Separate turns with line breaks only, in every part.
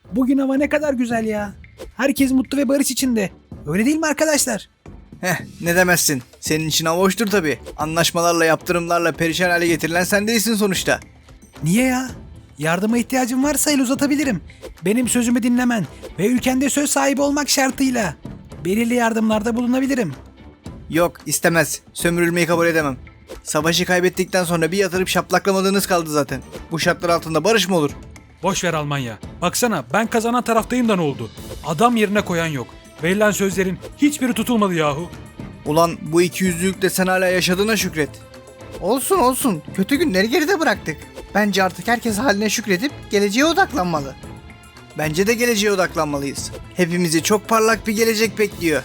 Bugün hava ne kadar güzel ya. Herkes mutlu ve barış içinde. Öyle değil mi arkadaşlar?
Ne demezsin. Senin için hava hoştur tabii. Anlaşmalarla, yaptırımlarla perişan hale getirilen sen değilsin sonuçta.
Niye ya? Yardıma ihtiyacın varsa el uzatabilirim. Benim sözümü dinlemen ve ülkende söz sahibi olmak şartıyla belirli yardımlarda bulunabilirim.
Yok, istemez. Sömürülmeyi kabul edemem. Savaşı kaybettikten sonra bir yatırıp şaplaklamadığınız kaldı zaten. Bu şartlar altında barış mı olur?
Boş ver Almanya. Baksana ben kazanan taraftayım da ne oldu? Adam yerine koyan yok. Verilen sözlerin hiçbiri tutulmadı yahu.
Ulan bu ikiyüzlülükte sen hala yaşadığına şükret. Olsun olsun. Kötü günleri geride bıraktık. Bence artık herkes haline şükredip geleceğe odaklanmalı. Bence de geleceğe odaklanmalıyız. Hepimizi çok parlak bir gelecek bekliyor.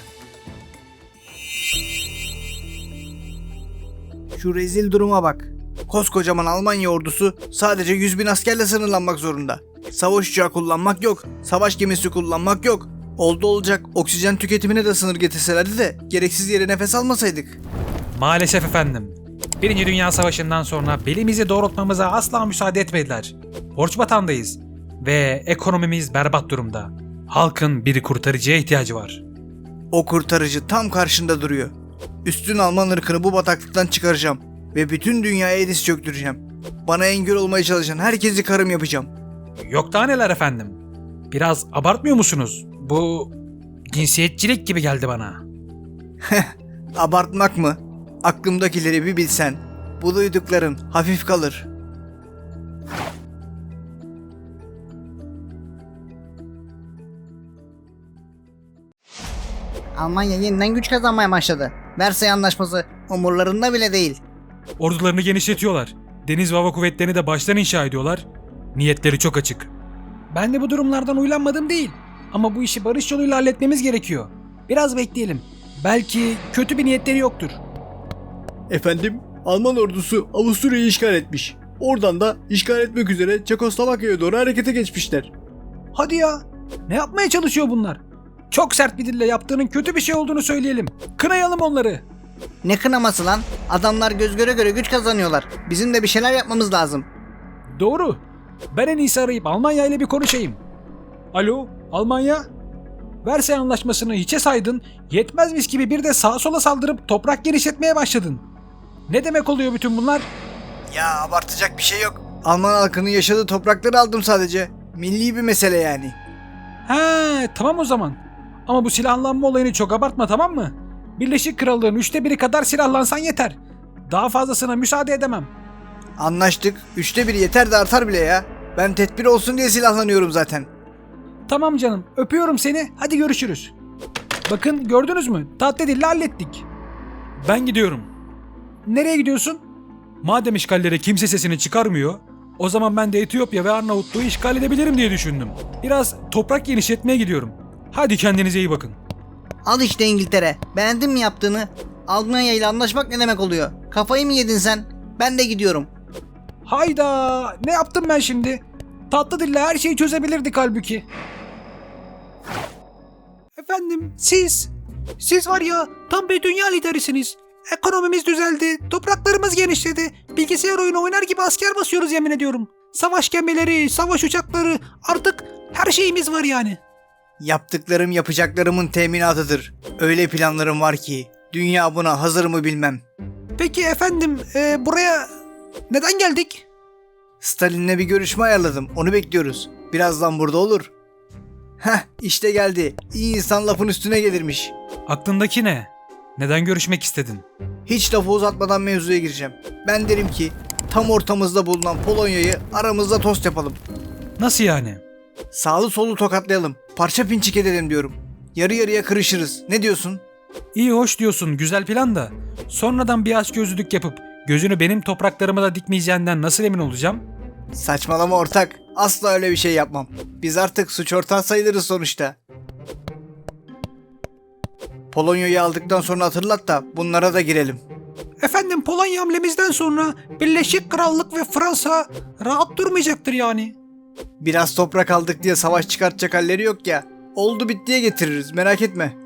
Şu rezil duruma bak. Koskocaman Almanya ordusu sadece 100.000 askerle sınırlanmak zorunda. Savaş uçağı kullanmak yok. Savaş gemisi kullanmak yok. Oldu olacak oksijen tüketimine de sınır getirselerdi de gereksiz yere nefes almasaydık.
Maalesef efendim. Birinci Dünya Savaşı'ndan sonra belimizi doğrultmamıza asla müsaade etmediler. Borç batağındayız. Ve ekonomimiz berbat durumda. Halkın bir kurtarıcıya ihtiyacı var.
O kurtarıcı tam karşında duruyor. Üstün Alman ırkını bu bataklıktan çıkaracağım. Ve bütün dünyaya diz çöktüreceğim. Bana engel olmaya çalışan herkesi karım yapacağım.
Yok daha neler efendim. Biraz abartmıyor musunuz? Bu cinsiyetçilik gibi geldi bana.
Abartmak mı? Aklımdakileri bir bilsen. Bu duydukların hafif kalır.
Almanya yeniden güç kazanmaya başladı. Versay Anlaşması umurlarında bile değil.
Ordularını genişletiyorlar. Deniz ve hava kuvvetlerini de baştan inşa ediyorlar. Niyetleri çok açık.
Ben de bu durumlardan uylanmadım değil. Ama bu işi barış yoluyla halletmemiz gerekiyor. Biraz bekleyelim. Belki kötü bir niyetleri yoktur.
Efendim, Alman ordusu Avusturya'yı işgal etmiş. Oradan da işgal etmek üzere Çekoslovakya'ya doğru harekete geçmişler.
Hadi ya. Ne yapmaya çalışıyor bunlar? Çok sert bir dille yaptığının kötü bir şey olduğunu söyleyelim. Kınayalım onları.
Ne kınaması lan? Adamlar göz göre göre güç kazanıyorlar. Bizim de bir şeyler yapmamız lazım.
Doğru. Ben en iyisi arayıp Almanya ile bir konuşayım. Alo, Almanya? Versay Anlaşması'nı hiçe saydın, yetmezmiş gibi bir de sağa sola saldırıp toprak genişletmeye başladın. Ne demek oluyor bütün bunlar?
Ya abartacak bir şey yok. Alman halkının yaşadığı toprakları aldım sadece. Milli bir mesele yani.
He, tamam o zaman. Ama bu silahlanma olayını çok abartma, tamam mı? Birleşik Krallığın 1/3 kadar silahlansan yeter. Daha fazlasına müsaade edemem.
Anlaştık. 1/3 yeter de artar bile ya. Ben tedbir olsun diye silahlanıyorum zaten.
Tamam canım, öpüyorum seni. Hadi görüşürüz. Bakın gördünüz mü? Tatlı dille hallettik.
Ben gidiyorum.
Nereye gidiyorsun?
Madem işgallere kimse sesini çıkarmıyor, o zaman ben de Etiyopya ve Arnavutluğu işgal edebilirim diye düşündüm. Biraz toprak genişletmeye gidiyorum. Hadi kendinize iyi bakın.
Al işte İngiltere. Beğendin mi yaptığını? Almanya ile anlaşmak ne demek oluyor? Kafayı mı yedin sen? Ben de gidiyorum.
Hayda! Ne yaptım ben şimdi? Tatlı dille her şeyi çözebilirdik halbuki. Efendim siz var ya tam bir dünya liderisiniz. Ekonomimiz düzeldi, topraklarımız genişledi. Bilgisayar oyunu oynar gibi asker basıyoruz yemin ediyorum. Savaş gemileri, savaş uçakları, artık her şeyimiz var yani.
Yaptıklarım yapacaklarımın teminatıdır. Öyle planlarım var ki dünya buna hazır mı bilmem.
Peki efendim buraya neden geldik?
Stalin'le bir görüşme ayarladım. Onu bekliyoruz. Birazdan burada olur. İşte geldi. İyi insan lafın üstüne gelirmiş.
Aklındaki ne? Neden görüşmek istedin?
Hiç lafı uzatmadan mevzuya gireceğim. Ben derim ki tam ortamızda bulunan Polonya'yı aramızda tost yapalım.
Nasıl yani?
Sağlı sollu tokatlayalım. Parça pinçik edelim diyorum. Yarı yarıya kırışırız. Ne diyorsun?
İyi hoş diyorsun, güzel plan da. Sonradan bir açgözlülük yapıp gözünü benim topraklarıma da dikmeyeceğinden nasıl emin olacağım?
Saçmalama ortak. Asla öyle bir şey yapmam. Biz artık suç ortağı sayılırız sonuçta. Polonya'yı aldıktan sonra hatırlat da bunlara da girelim.
Efendim Polonya hamlemizden sonra Birleşik Krallık ve Fransa rahat durmayacaktır yani.
Biraz toprak aldık diye savaş çıkartacak halleri yok ya. Oldu bittiye getiririz, merak etme.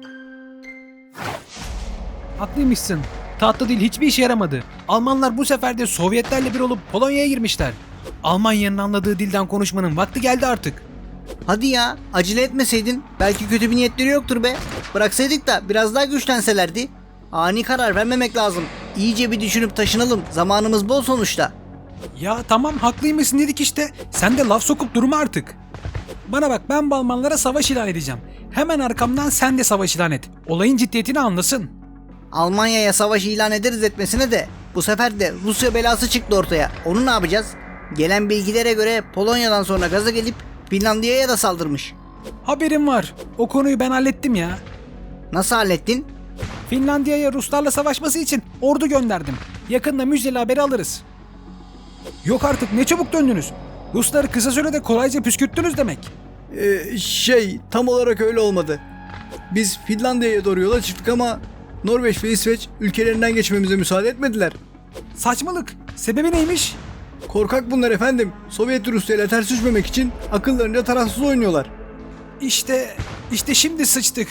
Haklıymışsın. Tatlı dil hiçbir işe yaramadı. Almanlar bu sefer de Sovyetlerle bir olup Polonya'ya girmişler. Almanya'nın anladığı dilden konuşmanın vakti geldi artık.
Hadi ya, acele etmeseydin. Belki kötü bir niyetleri yoktur be. Bıraksaydık da biraz daha güçlenselerdi. Ani karar vermemek lazım. İyice bir düşünüp taşınalım. Zamanımız bol sonuçta.
Ya tamam haklıymışsın dedik işte. Sen de laf sokup durma artık. Bana bak, ben bu Almanlara savaş ilan edeceğim. Hemen arkamdan sen de savaş ilan et. Olayın ciddiyetini anlasın.
Almanya'ya savaş ilan ederiz etmesine de bu sefer de Rusya belası çıktı ortaya. Onu ne yapacağız? Gelen bilgilere göre Polonya'dan sonra gaza gelip Finlandiya'ya da saldırmış.
Haberim var. O konuyu ben hallettim ya.
Nasıl hallettin?
Finlandiya'ya Ruslarla savaşması için ordu gönderdim. Yakında müjdeli haberi alırız. Yok artık, ne çabuk döndünüz. Rusları kısa sürede kolayca püskürttünüz demek.
Tam olarak öyle olmadı. Biz Finlandiya'ya doğru yola çıktık ama Norveç ve İsveç ülkelerinden geçmemize müsaade etmediler.
Saçmalık. Sebebi neymiş?
Korkak bunlar efendim. Sovyet Rusya ile ters düşmemek için akıllarınca tarafsız oynuyorlar.
İşte şimdi sıçtık.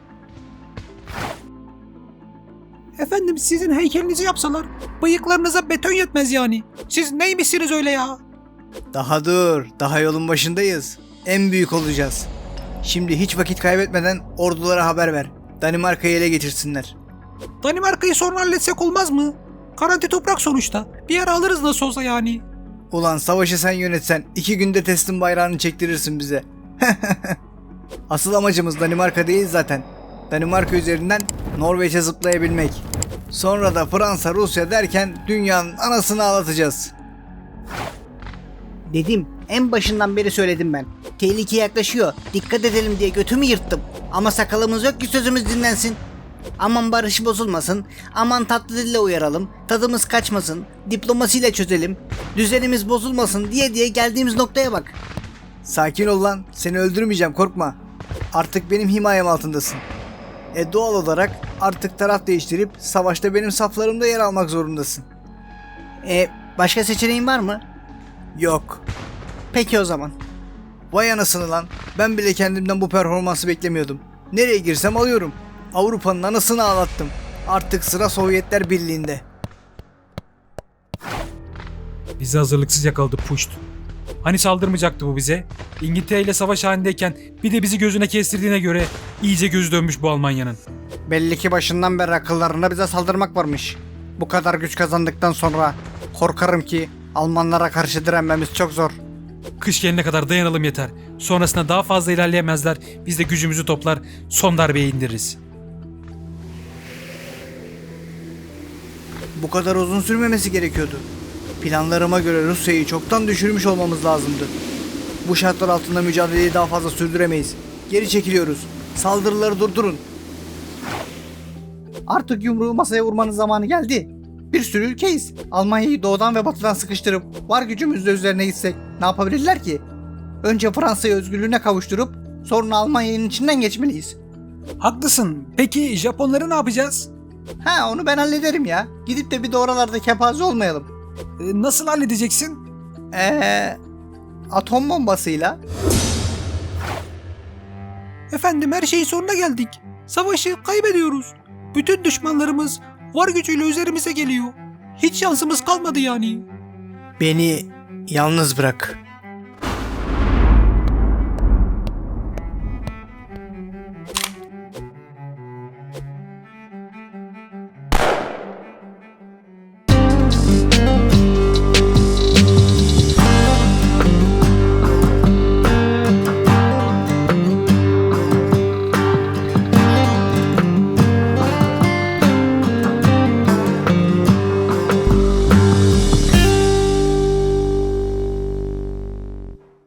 Efendim sizin heykelinizi yapsalar bıyıklarınıza beton yetmez yani. Siz neymişsiniz öyle ya?
Daha dur, daha yolun başındayız. En büyük olacağız. Şimdi hiç vakit kaybetmeden ordulara haber ver. Danimarka'yı ele geçirsinler.
Danimarka'yı sonra halletsek olmaz mı? Garanti toprak sonuçta. Bir ara alırız nasıl olsa yani.
Ulan savaşı sen yönetsen 2 günde teslim bayrağını çektirirsin bize. Asıl amacımız Danimarka değil zaten. Danimarka üzerinden Norveç'e zıplayabilmek. Sonra da Fransa, Rusya derken dünyanın anasını ağlatacağız.
Dedim, en başından beri söyledim ben. Tehlike yaklaşıyor. Dikkat edelim diye götümü yırttım. Ama sakalımız yok ki sözümüz dinlensin. Aman barış bozulmasın. Aman tatlı dille uyaralım. Tadımız kaçmasın. Diplomasiyle çözelim. Düzenimiz bozulmasın diye geldiğimiz noktaya bak.
Sakin ol lan, seni öldürmeyeceğim, korkma. Artık benim himayem altındasın. Doğal olarak artık taraf değiştirip savaşta benim saflarımda yer almak zorundasın.
Başka seçeneğin var mı?
Yok.
Peki o zaman.
Vay anasını lan, ben bile kendimden bu performansı beklemiyordum. Nereye girsem alıyorum. Avrupa'nın anasını ağlattım. Artık sıra Sovyetler Birliği'nde.
Bizi hazırlıksız yakaladı puşt. Hani saldırmayacaktı bu bize? İngiltere ile savaş halindeyken bir de bizi gözüne kestirdiğine göre iyice gözü dönmüş bu Almanya'nın.
Belli ki başından beri akıllarında bize saldırmak varmış. Bu kadar güç kazandıktan sonra korkarım ki Almanlara karşı direnmemiz çok zor.
Kış gelene kadar dayanalım yeter. Sonrasında daha fazla ilerleyemezler. Biz de gücümüzü toplar, son darbeyi indiririz.
Bu kadar uzun sürmemesi gerekiyordu. Planlarıma göre Rusya'yı çoktan düşürmüş olmamız lazımdı. Bu şartlar altında mücadeleyi daha fazla sürdüremeyiz. Geri çekiliyoruz. Saldırıları durdurun.
Artık yumruğu masaya vurmanın zamanı geldi. Bir sürü ülkeyiz. Almanya'yı doğudan ve batıdan sıkıştırıp var gücümüzle üzerine gitsek ne yapabilirler ki? Önce Fransa'yı özgürlüğüne kavuşturup sonra Almanya'nın içinden geçmeliyiz.
Haklısın. Peki Japonları ne yapacağız?
Onu ben hallederim ya. Gidip de bir de oralarda kepaze olmayalım.
Nasıl halledeceksin?
Atom bombasıyla.
Efendim her şeyin sonuna geldik. Savaşı kaybediyoruz. Bütün düşmanlarımız var gücüyle üzerimize geliyor. Hiç şansımız kalmadı yani.
Beni yalnız bırak.